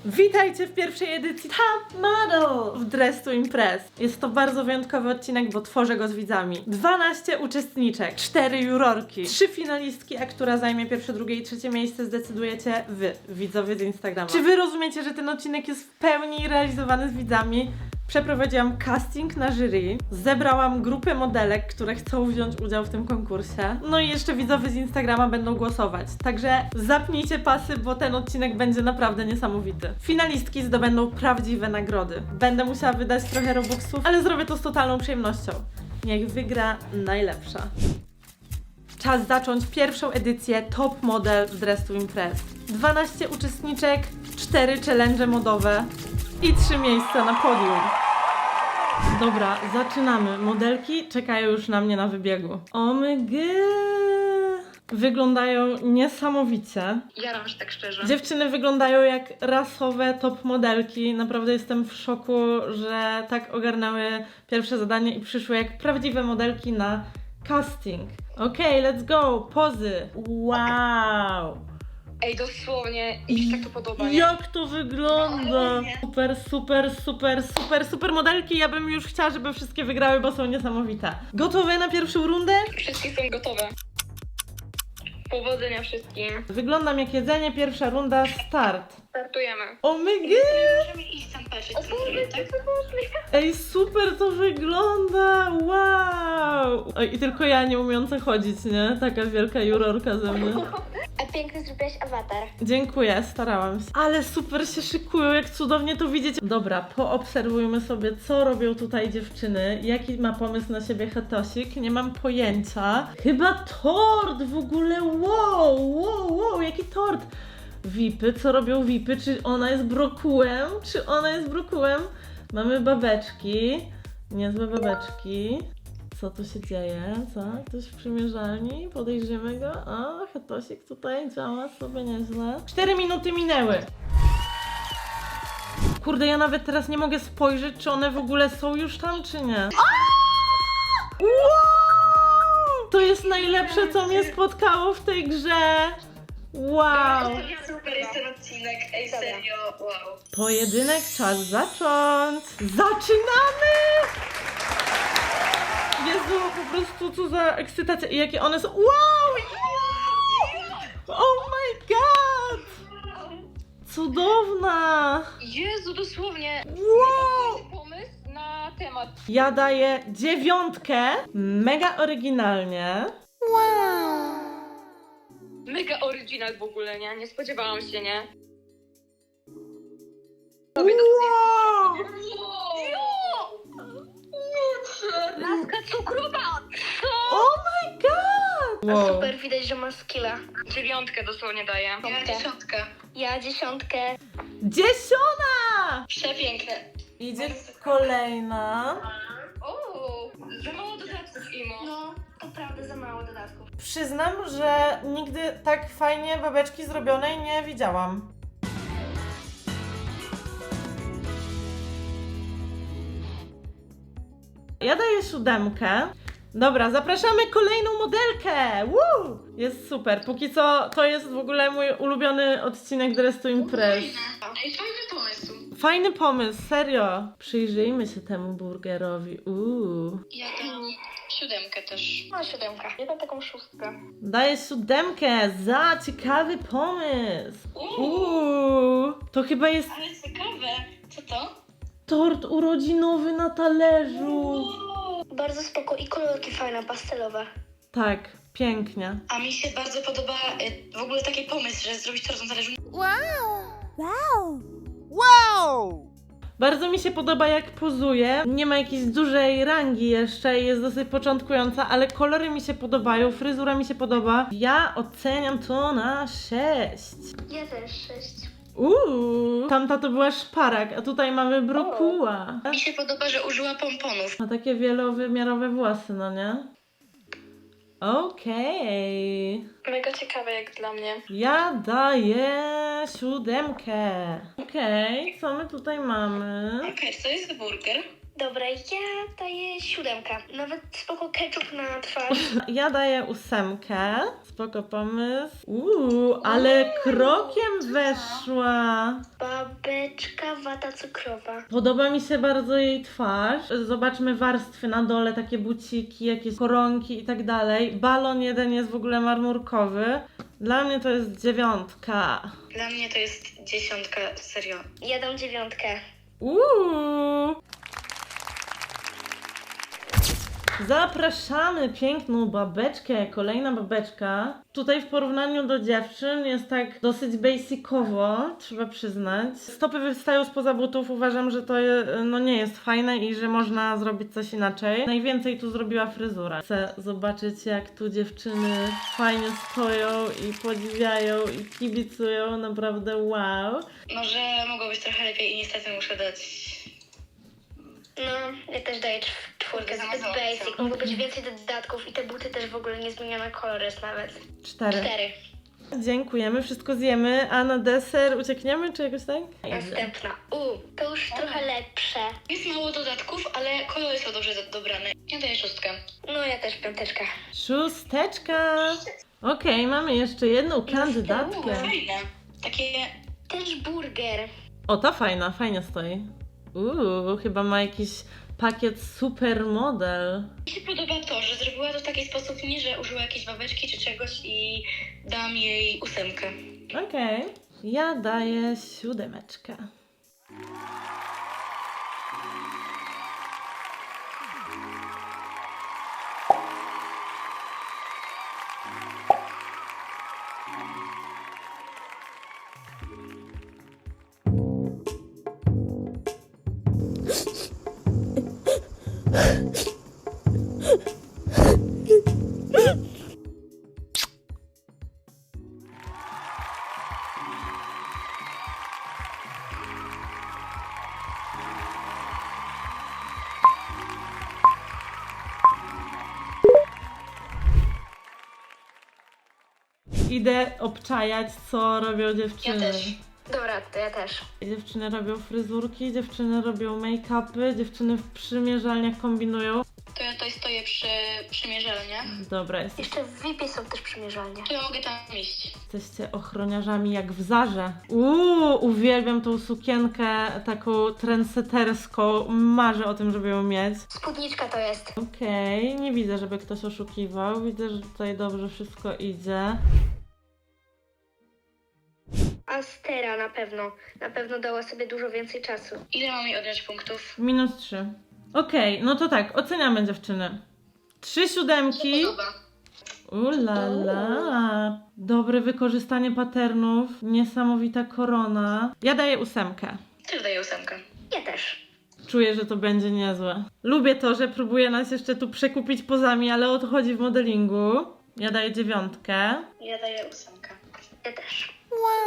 Witajcie w pierwszej edycji Top Model w Dress to Impress. Jest to bardzo wyjątkowy odcinek, bo tworzę go z widzami. 12 uczestniczek, 4 jurorki, 3 finalistki, a która zajmie pierwsze, drugie i trzecie miejsce zdecydujecie wy, widzowie z Instagrama. Czy wy rozumiecie, że ten odcinek jest w pełni realizowany z widzami? Przeprowadziłam casting na jury, zebrałam grupę modelek, które chcą wziąć udział w tym konkursie. No i jeszcze widzowie z Instagrama będą głosować. Także zapnijcie pasy, bo ten odcinek będzie naprawdę niesamowity. Finalistki zdobędą prawdziwe nagrody. Będę musiała wydać trochę robuxów, ale zrobię to z totalną przyjemnością. Niech wygra najlepsza. Czas zacząć pierwszą edycję Top Model w Dress to Impress. 12 uczestniczek, 4 challenge modowe i 3 miejsca na podium. Dobra, zaczynamy. Modelki czekają już na mnie na wybiegu. Wyglądają niesamowicie. Jaram się tak szczerze. Dziewczyny wyglądają jak rasowe top modelki. Naprawdę jestem w szoku, że tak ogarnęły pierwsze zadanie i przyszły jak prawdziwe modelki na casting. Okej, let's go. Pozy. Wow. Ej, dosłownie, mi się tak to podoba, nie? Jak to wygląda? Super, super, super, super, super modelki. Ja bym już chciała, żeby wszystkie wygrały, bo są niesamowite. Gotowe na pierwszą rundę? Wszystkie są gotowe. Powodzenia wszystkim. Wyglądam jak jedzenie, pierwsza runda, start. Startujemy. Możemy iść tam patrzeć, co zrobię, tak? Ej, super to wygląda, wow! Oj, i tylko ja nie umieąca chodzić, nie? Taka wielka jurorka ze mnie. A piękny zrobiłaś awatar. Dziękuję, starałam się. Ale super się szykują, jak cudownie to widzieć. Dobra, poobserwujmy sobie, co robią tutaj dziewczyny. Jaki ma pomysł na siebie Hetosik? Nie mam pojęcia. Chyba tort w ogóle, wow, jaki tort. Vipy, co robią Vipy? Czy ona jest brokułem? Mamy babeczki. Niezłe babeczki. Co tu się dzieje? Co? Ktoś w przymierzalni? Podejrzymy go? O, Hetosik tutaj działa sobie nieźle. 4 minuty minęły. Kurde, ja nawet teraz nie mogę spojrzeć, czy one w ogóle są już tam, czy nie. Wow! To jest najlepsze, co mnie spotkało w tej grze. Wow! Super jest ten odcinek, ej serio, wow. Pojedynek, czas zacząć! Zaczynamy! Jezu, po prostu co za ekscytacja. I jakie one są... Wow! Oh my god! Cudowna! Jezu, dosłownie. Wow! Pomysł na temat. Ja daję 9. Mega oryginalnie. Mega oryginal w ogóle, nie? Nie spodziewałam się, nie? Wow! Laska cukrowa! Co? Oh my god! A super, widać, że ma skilla. 9 dosłownie daję. Ja 10. Ja 10. 10! Przepiękne. Idzie kolejna. O, za mało dodatków, Imo. No, to prawda, za mało dodatków. Przyznam, że nigdy tak fajnie babeczki zrobionej nie widziałam. Ja daję 7. Dobra, zapraszamy kolejną modelkę! Woo! Jest super. Póki co to jest w ogóle mój ulubiony odcinek Dress to Impress. Ej, fajny pomysł. Fajny pomysł, serio. Przyjrzyjmy się temu burgerowi. Ja dam 7 też. No, 7. Ja dam taką 6. Daję 7 za ciekawy pomysł. To chyba jest Ale ciekawe. Co to? tort urodzinowy na talerzu. Bardzo spoko i kolorki fajne, pastelowe. Tak, pięknie. A mi się bardzo podoba w ogóle taki pomysł, że zrobić tort na talerzu. Bardzo mi się podoba, jak pozuje. Nie ma jakiejś dużej rangi jeszcze i jest dosyć początkująca, ale kolory mi się podobają, fryzura mi się podoba. Ja oceniam to na 6. Ja też 6. Tamta to była szparak, a tutaj mamy brokuła. Mi się podoba, że użyła pomponów. Ma takie wielowymiarowe włosy, no nie? Okej. Mega ciekawe jak dla mnie. Ja daję 7. Okej, co my tutaj mamy? Okej, co jest burger? Dobra, ja daję 7. Nawet spoko ketchup na twarz. Ja daję 8. Spoko pomysł. Ale krokiem weszła. Babeczki. Szyneczka, wata cukrowa. Podoba mi się bardzo jej twarz. Zobaczmy warstwy na dole, takie buciki, jakieś koronki i tak dalej. Balon jeden jest w ogóle marmurkowy. Dla mnie to jest 9. Dla mnie to jest 10, serio. Ja dam 9. Zapraszamy piękną babeczkę, kolejna babeczka. Tutaj w porównaniu do dziewczyn jest tak dosyć basicowo, trzeba przyznać. Stopy wystają spoza butów, uważam, że to no nie jest fajne i że można zrobić coś inaczej. Najwięcej tu zrobiła fryzura. Chcę zobaczyć, jak tu dziewczyny fajnie stoją i podziwiają i kibicują, naprawdę wow. Może mogło być trochę lepiej i niestety muszę dać... No, ja też daję 4, zbyt Za basic. Mogło być więcej dodatków i te buty też w ogóle nie zmienione kolor jest nawet. 4. 4. Dziękujemy, wszystko zjemy, a na deser uciekniemy, czy jakoś tak? Następna. To już trochę lepsze. Jest mało dodatków, ale kolory są dobrze dobrane. Ja daję 6. No, ja też 5. 6. Okej, mamy jeszcze jedną kandydatkę. Fajne. Takie... Też burger. O, ta fajna, fajnie stoi. Chyba ma jakiś pakiet supermodel. Mi się podoba to, że zrobiła to w taki sposób, nie że użyła jakiejś babeczki czy czegoś i dam jej 8. Okej. Ja daję 7. Idę obczajać, co robią dziewczyny. Ja też. Dobra, to ja też. Dziewczyny robią fryzurki, dziewczyny robią make-upy, dziewczyny w przymierzalniach kombinują. To ja tutaj stoję przy przymierzalniach. Dobra, Jeszcze w VIP-ie są też przymierzalnie. To ja mogę tam iść. jesteście ochroniarzami jak w Zarze. Uwielbiam tą sukienkę taką trendseterską. Marzę o tym, żeby ją mieć. Spódniczka to jest. Okej, nie widzę, żeby ktoś oszukiwał. Widzę, że tutaj dobrze wszystko idzie. Astera na pewno. Na pewno dała sobie dużo więcej czasu. Ile mam jej odjąć punktów? -3. Okej, no to tak, oceniamy dziewczyny. 3 siódemki. Podoba. Ulala. Dobre wykorzystanie patternów. Niesamowita korona. Ja daję 8. Też daję 8. Ja też. Czuję, że to będzie niezłe. Lubię to, że próbuje nas jeszcze tu przekupić pozami, ale o to chodzi w modelingu. Ja daję 9. Ja daję 8. Ja też.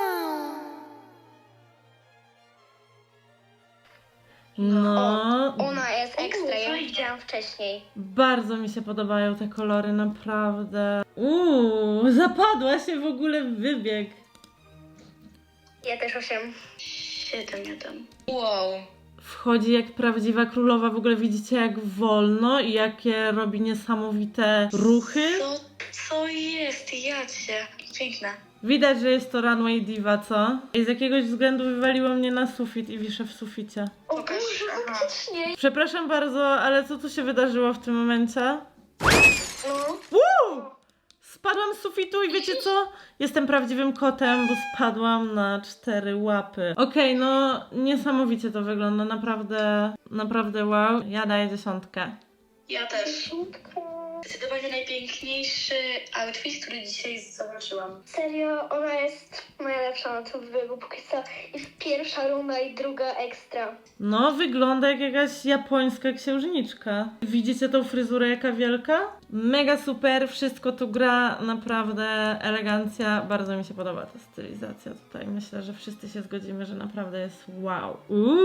No, Ona jest ekstra, ja ją fajnie. widziałam wcześniej. bardzo mi się podobają te kolory, naprawdę. Zapadła się w ogóle w wybieg. Ja też 8. 7 ja dam. Wow. Wchodzi jak prawdziwa królowa, w ogóle widzicie jak wolno i jakie robi niesamowite ruchy. Co jest? Jacie. Piękna. Widać, że jest to runway diva, co? I z jakiegoś względu wywaliło mnie na sufit i wiszę w suficie. O Pokaż. Boże, Aha. faktycznie. Przepraszam bardzo, ale co tu się wydarzyło w tym momencie? No. Spadłam z sufitu i wiecie co? Jestem prawdziwym kotem, bo spadłam na 4 łapy. Okej, no niesamowicie to wygląda, naprawdę wow. Ja daję 10. Ja też. Zdecydowanie najpiękniejszy outfit, który dzisiaj zobaczyłam. Serio, ona jest najlepsza na tym wybiegu póki co. I pierwsza runda i druga ekstra. No, wygląda jak jakaś japońska księżniczka. Widzicie tą fryzurę jaka wielka? Mega super, wszystko tu gra, naprawdę elegancja. Bardzo mi się podoba ta stylizacja tutaj. Myślę, że wszyscy się zgodzimy, że naprawdę jest wow.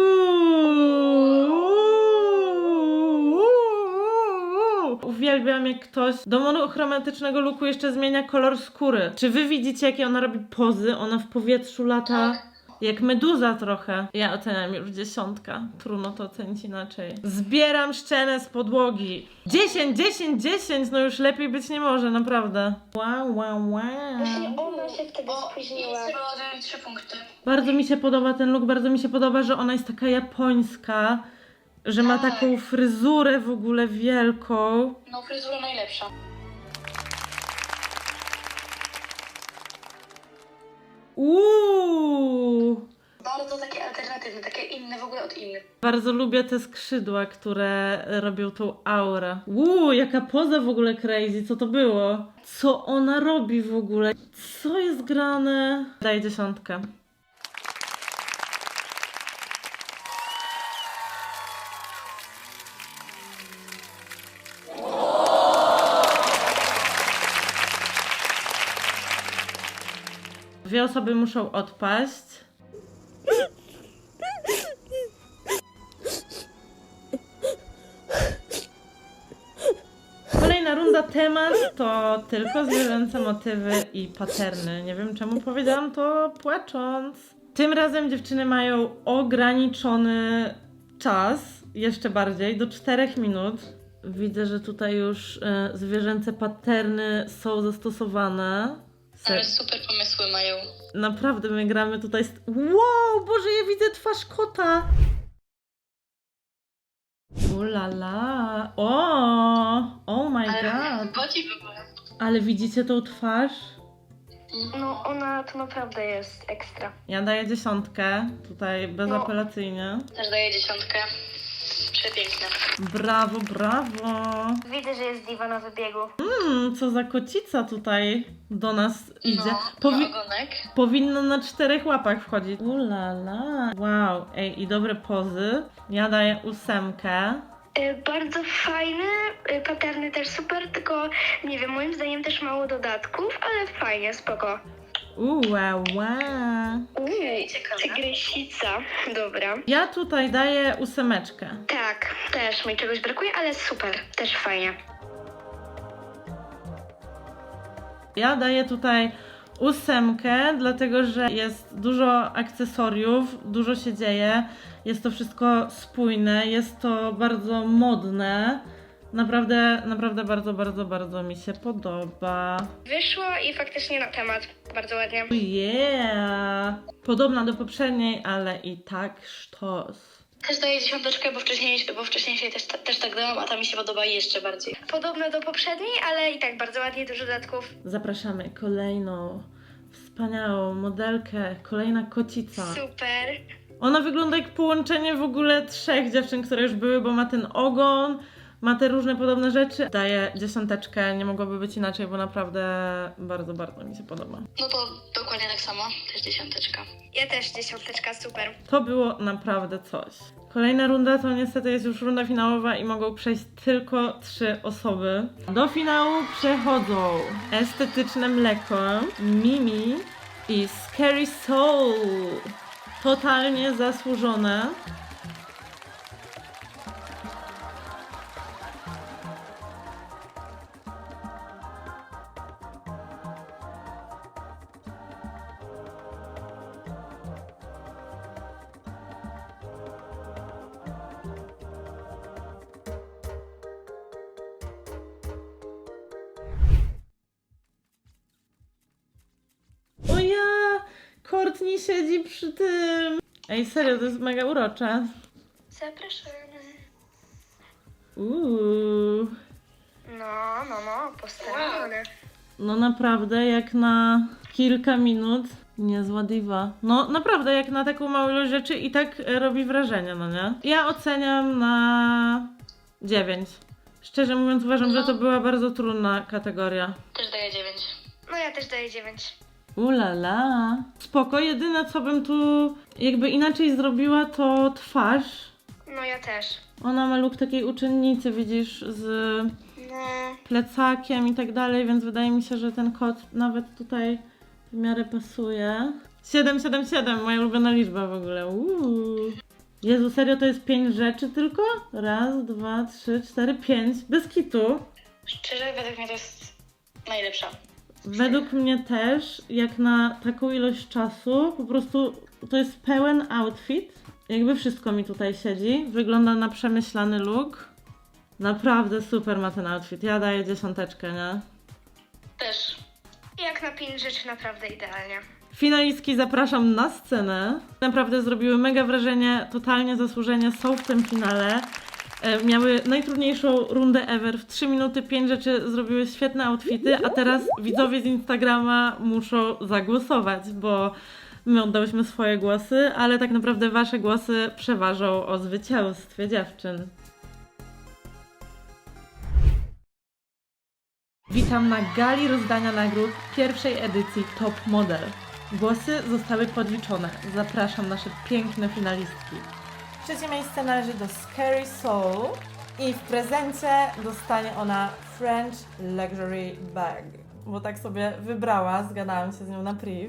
Uwielbiam, jak ktoś do monochromatycznego looku jeszcze zmienia kolor skóry. Czy wy widzicie, jakie ona robi pozy? Ona w powietrzu lata. Jak meduza trochę. Ja oceniam już 10. Trudno to ocenić inaczej. Zbieram szczenę z podłogi. 10, 10, 10. No już lepiej być nie może, naprawdę. Wow, wow, wow. Właśnie ona się wtedy spóźniła. I było 3 punkty. Bardzo mi się podoba ten look, bardzo mi się podoba, że ona jest taka japońska, że ma Tak. taką fryzurę w ogóle wielką. No, fryzura najlepsza. Bardzo takie alternatywne, takie inne w ogóle od innych. Bardzo lubię te skrzydła, które robią tą aurę. Jaka poza w ogóle crazy, co to było? Co ona robi w ogóle? Co jest grane? Daję 10. Dwie osoby muszą odpaść. Kolejna runda, temat to tylko zwierzęce motywy i paterny. Nie wiem czemu powiedziałam to płacząc. Tym razem dziewczyny mają ograniczony czas, jeszcze bardziej, do 4 minut. Widzę, że tutaj już zwierzęce paterny są zastosowane. Ale super pomysły mają. Naprawdę my gramy tutaj Wow, Boże, ja widzę twarz kota! Ulala! Oh my god! Chodzi w ogóle. Ale widzicie tą twarz? No ona to naprawdę jest ekstra. Ja daję 10, tutaj bezapelacyjnie. Też daję 10. Przepiękne. Brawo, brawo! Widzę, że jest diwa na wybiegu. Co za kocica tutaj do nas idzie. No, ogonek. Powinno na 4 łapach wchodzić. Ulala! Wow, ej, i dobre pozy. Ja daję 8. Bardzo fajny, paterny też super, tylko nie wiem, moim zdaniem też mało dodatków, ale fajnie, spoko. Wow. Ciekawe. Tygrysica, dobra. Ja tutaj daję 8. Tak, też mi czegoś brakuje, ale super, też fajnie. Ja daję tutaj 8, dlatego że jest dużo akcesoriów, dużo się dzieje, jest to wszystko spójne, jest to bardzo modne. Naprawdę bardzo mi się podoba. Wyszło i faktycznie na temat, bardzo ładnie. Yeah! Podobna do poprzedniej, ale i tak sztos. Też daję 10, bo wcześniej też tak dałam, a ta mi się podoba jeszcze bardziej. Podobne do poprzedniej, ale i tak bardzo ładnie, dużo dodatków. Zapraszamy kolejną wspaniałą modelkę, kolejna kocica. Super. Ona wygląda jak połączenie w ogóle 3 dziewczyn, które już były, bo ma ten ogon, ma te różne podobne rzeczy. Daję 10, nie mogłoby być inaczej, bo naprawdę bardzo mi się podoba. No to dokładnie tak samo, też 10. Ja też 10, super. To było naprawdę coś. Kolejna runda to niestety jest już runda finałowa i mogą przejść tylko 3 osoby. Do finału przechodzą Estetyczne Mleko, Mimi i Scary Soul. Totalnie zasłużone. O ja! Courtney siedzi przy tym. Ej, serio, to jest mega urocze. Zapraszamy. No, postawione. No naprawdę, jak na kilka minut. Niezła diwa. No naprawdę, jak na taką małą ilość rzeczy i tak robi wrażenie, no nie? Ja oceniam na 9. Szczerze mówiąc, uważam, że to była bardzo trudna kategoria. Też daję 9. No ja też daję 9. Ulala. Spoko, jedyne co bym tu jakby inaczej zrobiła to twarz. No ja też. Ona ma look takiej uczennicy, widzisz, z No. plecakiem i tak dalej, więc wydaje mi się, że ten kot nawet tutaj w miarę pasuje. 777, moja ulubiona liczba w ogóle. Jezu, serio, to jest 5 rzeczy tylko? Raz, 2, 3, 4, 5. Bez kitu. Szczerze, według mnie to jest najlepsza. Według mnie też, jak na taką ilość czasu, po prostu to jest pełen outfit. Jakby wszystko mi tutaj siedzi. Wygląda na przemyślany look. Naprawdę super ma ten outfit. Ja daję 10, nie? Też. Jak na 5 rzeczy naprawdę idealnie. Finalistki zapraszam na scenę. Naprawdę zrobiły mega wrażenie, totalnie zasłużenie są w tym finale. Miały najtrudniejszą rundę ever. W 3 minuty 5 rzeczy zrobiły świetne outfity, a teraz widzowie z Instagrama muszą zagłosować, bo my oddałyśmy swoje głosy, ale tak naprawdę wasze głosy przeważą o zwycięstwie dziewczyn. Witam na gali rozdania nagród pierwszej edycji Top Model. Głosy zostały podliczone. Zapraszam nasze piękne finalistki. Trzecie miejsce należy do Scary Soul i w prezencie dostanie ona French Luxury Bag, bo tak sobie wybrała, zgadałam się z nią na priv.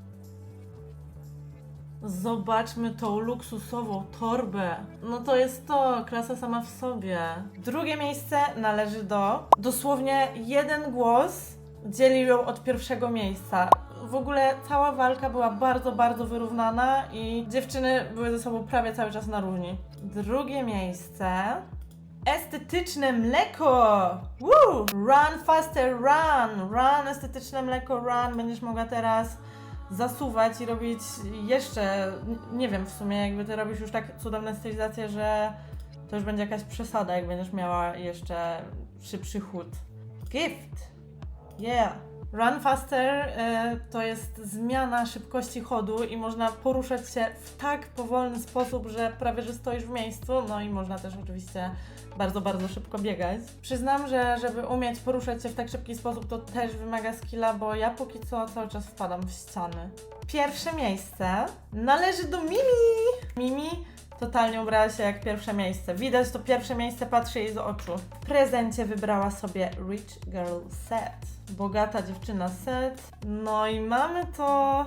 Zobaczmy tą luksusową torbę. No to jest to, klasa sama w sobie. Drugie miejsce należy do... Dosłownie jeden głos dzieli ją od pierwszego miejsca. W ogóle cała walka była bardzo, bardzo wyrównana i dziewczyny były ze sobą prawie cały czas na równi. Drugie miejsce... Estetyczne mleko! Woo! Run faster, run! Run, estetyczne mleko, run! Będziesz mogła teraz zasuwać i robić jeszcze, nie wiem w sumie, jakby ty robisz już tak cudowne stylizacje, że to już będzie jakaś przesada, jak będziesz miała jeszcze szybszy chód. Gift! Yeah! Run faster to jest zmiana szybkości chodu i można poruszać się w tak powolny sposób, że prawie że stoisz w miejscu, no i można też oczywiście bardzo, bardzo szybko biegać. Przyznam, że żeby umieć poruszać się w tak szybki sposób, to też wymaga skilla, bo ja póki co cały czas wpadam w ściany. Pierwsze miejsce należy do Mimi! Mimi totalnie ubrała się jak pierwsze miejsce. Widać to pierwsze miejsce, patrzy jej z oczu. W prezencie wybrała sobie Rich Girl Set. Bogata dziewczyna set. No i mamy to...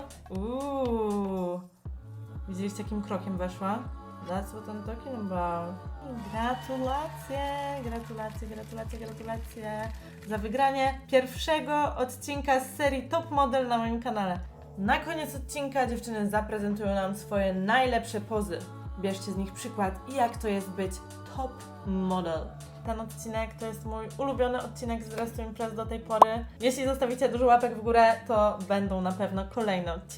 Widzieliście, jakim krokiem weszła? That's what I'm talking about. Gratulacje, gratulacje, gratulacje, gratulacje za wygranie pierwszego odcinka z serii Top Model na moim kanale. Na koniec odcinka dziewczyny zaprezentują nam swoje najlepsze pozy. Bierzcie z nich przykład i jak to jest być top model. Ten odcinek to jest mój ulubiony odcinek z Dress to Impress do tej pory. Jeśli zostawicie dużo łapek w górę, to będą na pewno kolejne odcinki.